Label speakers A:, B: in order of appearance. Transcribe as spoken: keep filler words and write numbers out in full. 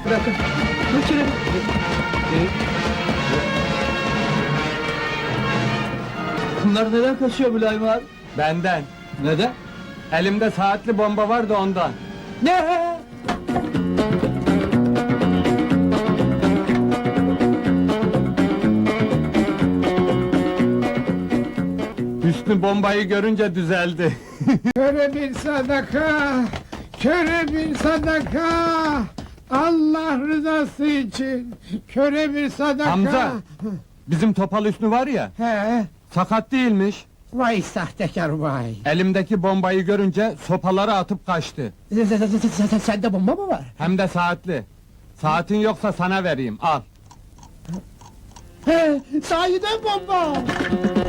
A: Bırakın. Götürün. Bunlar neden kaçıyor Mülayim abi?
B: Benden.
A: Neden?
B: Elimde saatli bomba var da ondan.
A: Ne?
B: Hüsnü bombayı görünce düzeldi.
C: Köre bir sadaka, köre bir sadaka. Allah rızası için, köre bir sadaka.
B: Hamza! Bizim Topal Hüsnü var ya,
C: He,
B: sakat değilmiş.
C: vay sahtekar vay.
B: Elimdeki bombayı görünce sopaları atıp kaçtı.
C: Sende bomba mı var?
B: Hem de saatli. Saatin yoksa sana vereyim, al.
C: He, sahiden bomba.